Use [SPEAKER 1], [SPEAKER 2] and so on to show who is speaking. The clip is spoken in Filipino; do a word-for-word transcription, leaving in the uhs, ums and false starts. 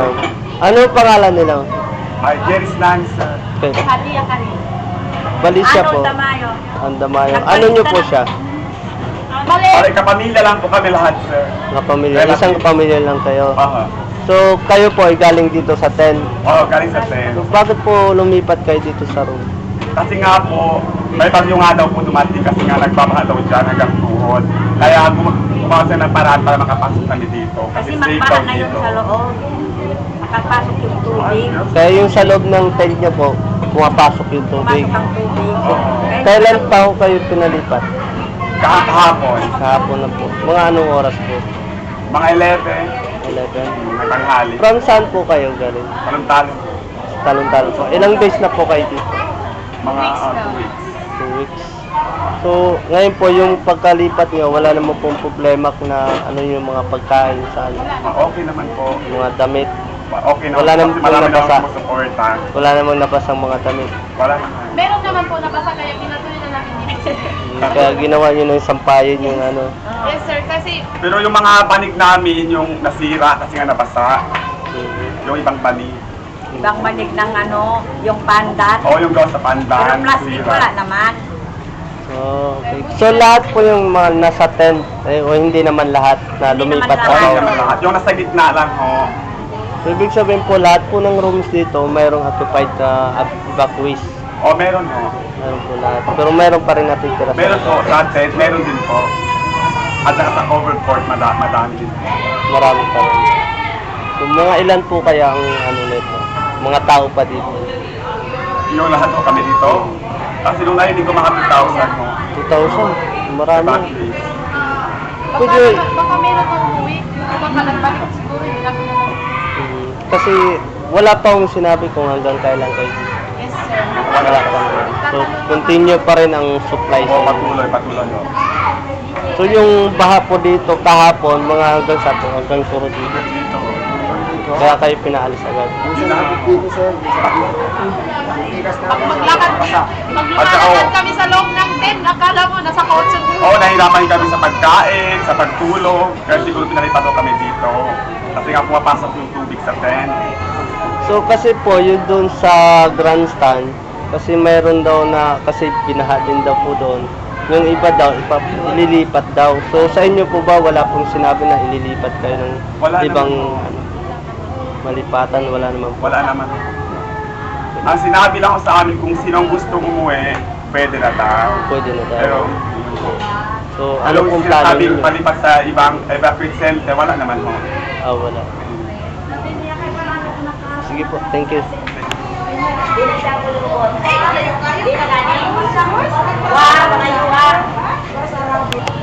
[SPEAKER 1] ma'am. Ano pangalan nila?
[SPEAKER 2] Ay, Jerry's Lancer.
[SPEAKER 1] Okay.
[SPEAKER 3] Hadiya ka rin.
[SPEAKER 1] Balisya
[SPEAKER 3] Ano,
[SPEAKER 1] po.
[SPEAKER 3] Damayo?
[SPEAKER 1] Andamayo. Ano nyo po siya?
[SPEAKER 3] Mali.
[SPEAKER 2] Ay, kapamilya lang po kami lahat, sir.
[SPEAKER 1] Kapamilya. Isang kapamilya lang kayo.
[SPEAKER 2] Oo.
[SPEAKER 1] So, kayo po ay galing dito sa ten.
[SPEAKER 2] Oo, galing sa ten.
[SPEAKER 1] So, bakit po lumipat kayo dito sa room?
[SPEAKER 2] Kasi nga po, may bagyo nga daw po dumating kasi nga nagbabaha daw dyan hanggang tuhod. Kaya gum- gumawa siya ng paraan para makapasok kami dito.
[SPEAKER 3] Kasi
[SPEAKER 2] Kasi safe
[SPEAKER 3] magbaha
[SPEAKER 2] daw
[SPEAKER 3] na yun
[SPEAKER 2] dito.
[SPEAKER 3] sa loob. Makapasok yung tubig.
[SPEAKER 1] Kaya yung sa loob ng tent nyo po, pumapasok yung tubig.
[SPEAKER 3] Pumasok ang tubig. Kaya-
[SPEAKER 1] Kailan pa ho kayo pinalipat?
[SPEAKER 2] Ka- Kahapon,
[SPEAKER 1] Kahapon na po. Mga anong oras po?
[SPEAKER 2] mga eleven,
[SPEAKER 1] eleven.
[SPEAKER 2] nagtanghali.
[SPEAKER 1] From saan po kayo galing?
[SPEAKER 2] Talong-talong.
[SPEAKER 1] Talon-talon po. Ilang days na po kayo dito?
[SPEAKER 2] Mga uh, two weeks.
[SPEAKER 1] Two weeks. So, ngayon po yung pagkalipat nyo, wala naman pong problema na ano yung mga pagkain sa ano,
[SPEAKER 2] Ah, okay naman po.
[SPEAKER 1] mga damit.
[SPEAKER 2] Okay naman
[SPEAKER 1] Wala
[SPEAKER 2] po
[SPEAKER 1] naman
[SPEAKER 2] kasi
[SPEAKER 1] po
[SPEAKER 2] marami
[SPEAKER 1] nabasa.
[SPEAKER 2] naman po suporta.
[SPEAKER 1] Wala namang nabasang mga damit.
[SPEAKER 2] Wala naman.
[SPEAKER 3] Meron naman po nabasa kaya ginatuloy na namin dito.
[SPEAKER 1] Kaya ginawa nyo ng sampayin yung ano.
[SPEAKER 3] Yes sir, kasi
[SPEAKER 2] Pero yung mga panig namin, yung nasira kasi nga nabasa, yung ibang panig.
[SPEAKER 3] ibang manig ng ano, yung pandat.
[SPEAKER 2] O yung gawa sa
[SPEAKER 3] Pero
[SPEAKER 2] pandan,
[SPEAKER 3] plastic
[SPEAKER 2] nasira.
[SPEAKER 3] wala naman.
[SPEAKER 1] Oh, okay. So lahat po yung mga nasa tent, eh, o hindi naman lahat na
[SPEAKER 3] Hindi
[SPEAKER 1] lumipat
[SPEAKER 3] naman
[SPEAKER 2] O
[SPEAKER 1] sa
[SPEAKER 2] hindi
[SPEAKER 1] loob.
[SPEAKER 2] naman lahat. Yung nasa gitna lang, ho.
[SPEAKER 1] So, ibig sabihin po, lahat po ng rooms dito, mayroong occupied na evacuees.
[SPEAKER 2] O meron ho.
[SPEAKER 1] Meron po lahat. Pero meron pa rin natitira sa
[SPEAKER 2] Meron po,
[SPEAKER 1] loob.
[SPEAKER 2] sa tent, meron din po. At saka sa overcourt, mada madami din po.
[SPEAKER 1] Marami pa rin. So, mga ilan po kaya ang ano nito? Mga tao pa dito?
[SPEAKER 2] Yung lahat ho kami dito. Kasi nung narinig ko mga two thousand ho.
[SPEAKER 1] two thousand? Marami.
[SPEAKER 2] Evacuees.
[SPEAKER 1] Pwede,
[SPEAKER 3] Baka meron kang uwi. Baka nagbalik siguro. Hindi namin naman.
[SPEAKER 1] mm, kasi wala pa akong sinabi kung hanggang kailan kayo dito.
[SPEAKER 3] Yes sir.
[SPEAKER 1] Wala pa rin. So, continue pa rin ang supply.
[SPEAKER 2] O patuloy, patuloy ho.
[SPEAKER 1] So, yung baha po dito kahapon, mga hanggang sa hanggang puro dito.
[SPEAKER 2] Dito ho.
[SPEAKER 1] Kaya kayo pinaalis agad.
[SPEAKER 2] Yun na.
[SPEAKER 3] Pag maglakad,
[SPEAKER 2] At saka,
[SPEAKER 3] maglakad
[SPEAKER 2] oh.
[SPEAKER 3] kami sa loob ng tent, akala mo nasa kotse ko.
[SPEAKER 2] Oo, nahirapan kami sa pagkain, sa pagtulog. Kaya siguro pinalipat ho kami dito. Kasi nga pumapasok yung tubig sa tent.
[SPEAKER 1] So kasi po yun doon sa grandstand, kasi mayroon daw na, kasi binaha din daw po doon. Yung iba daw, ipa, ililipat daw. So sa inyo po ba wala pong sinabi na ililipat kayo ng
[SPEAKER 2] Wala
[SPEAKER 1] ibang
[SPEAKER 2] naman.
[SPEAKER 1] ano, malipatan? Wala naman po.
[SPEAKER 2] Wala naman. Ang sinabi lang ko sa amin kung sinong gusto umuwi, pwede na daw.
[SPEAKER 1] Pwede na daw.
[SPEAKER 2] Pero,
[SPEAKER 1] So ano
[SPEAKER 2] alam
[SPEAKER 1] pong
[SPEAKER 2] kung
[SPEAKER 1] plano
[SPEAKER 2] sinasabing
[SPEAKER 1] niyo?
[SPEAKER 2] palipat sa ibang evacuate center, wala naman ho.
[SPEAKER 1] Ah, wala. Sige po, thank you.
[SPEAKER 3] Wow, mga yuwa.